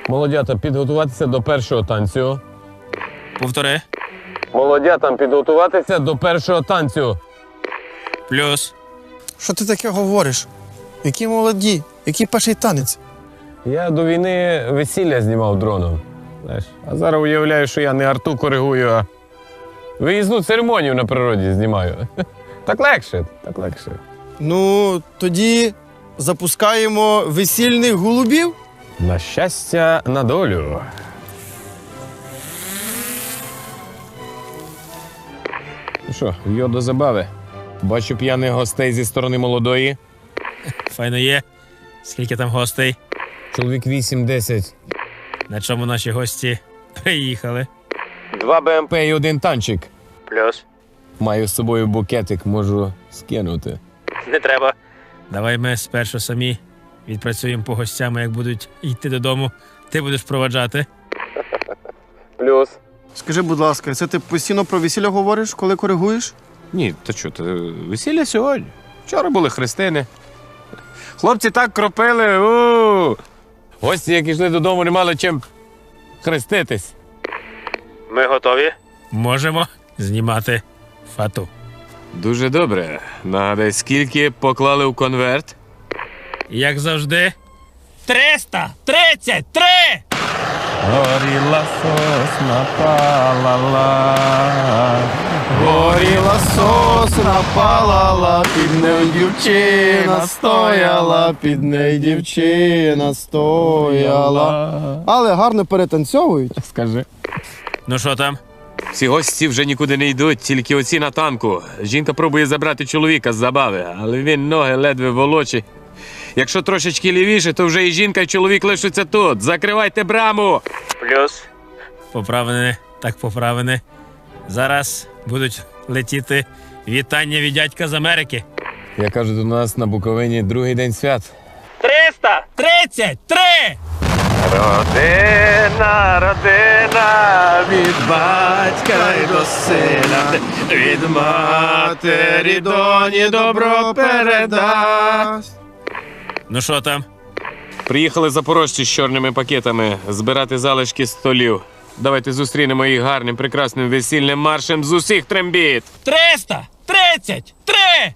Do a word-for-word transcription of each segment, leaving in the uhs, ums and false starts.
Молодята, підготуватися до першого танцю. Повтори. Молодятам підготуватися до першого танцю. Плюс. Що ти таке говориш? Які молоді, який перший танець? Я до війни весілля знімав дроном. Знаєш, а зараз уявляю, що я не арту коригую, а виїзну церемонію на природі знімаю. Так легше, так легше. Ну, тоді запускаємо весільних голубів. На щастя, на долю. Ну що, йо до забави. Бачу п'яних гостей зі сторони молодої. Файно є. Скільки там гостей? Чоловік вісім-десять. На чому наші гості приїхали? Два БМП і один танчик. Плюс. Маю з собою букетик, можу скинути. Не треба. Давай ми спершу самі відпрацюємо по гостям, як будуть йти додому. Ти будеш проваджати. Плюс. Скажи, будь ласка, це ти постійно про весілля говориш, коли коригуєш? Ні, то що, то весілля сьогодні. Вчора були хрестини. Хлопці так кропили. У! Гості, які йшли додому, не мали чим хреститись. Ми готові? Можемо знімати фату. Дуже добре. Нагадай, скільки поклали в конверт? Як завжди. триста тридцять три! Горіла сосна палала, горіла сосна палала, під нею дівчина стояла, під нею дівчина стояла. Але гарно перетанцьовують. Скажи. Ну що там? Всі гості вже нікуди не йдуть, тільки оці на танку. Жінка пробує забрати чоловіка з забави, але він ноги ледве волочить. Якщо трошечки лівіше, то вже і жінка, і чоловік лишаться тут. Закривайте браму! Плюс. Поправини, так поправини. Зараз будуть летіти вітання від дядька з Америки. Я кажу, до нас на Буковині другий день свят. триста тридцять три! Родина, родина, від батька й до сина, від матері доні добро передасть. Ну що там? Приїхали запорожці з чорними пакетами збирати залишки столів. Давайте зустрінемо їх гарним, прекрасним весільним маршем з усіх трембіт. триста тридцять три!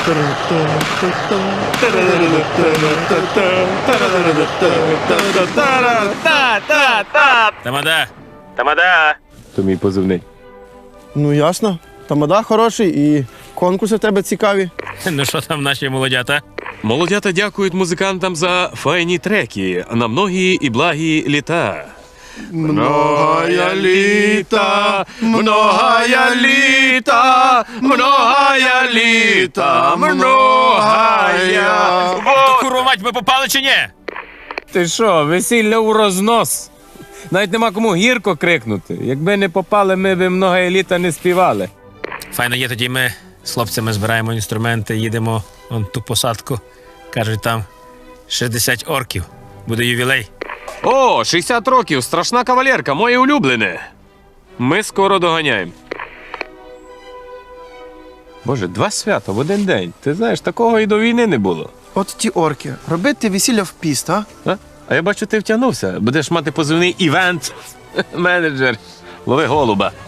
Тамада! Тамада! То мій позивний. Ну, ясно. Тамада хороший і конкурси в тебе цікаві. Ну що там наші молодята? Молодята дякують музикантам за файні треки на многі і благі літа. Многая літа, многая літа, многая літа, многая. То курва мать, ми попали чи ні? Ти що, весілля у рознос? Навіть нема кому гірко крикнути. Якби не попали, ми б многая літа не співали. Файно є, тоді ми з хлопцями збираємо інструменти, їдемо вон ту посадку. Кажуть, там шістдесят орків. Буде ювілей. О, шістдесят років, страшна кавалерка, моє улюблене. Ми скоро доганяємо. Боже, два свята в один день. Ти знаєш, такого і до війни не було. От ті орки. Робити весілля в піст, а? А, а я бачу, ти втягнувся. Будеш мати позивний івент-менеджер. Лови голуба.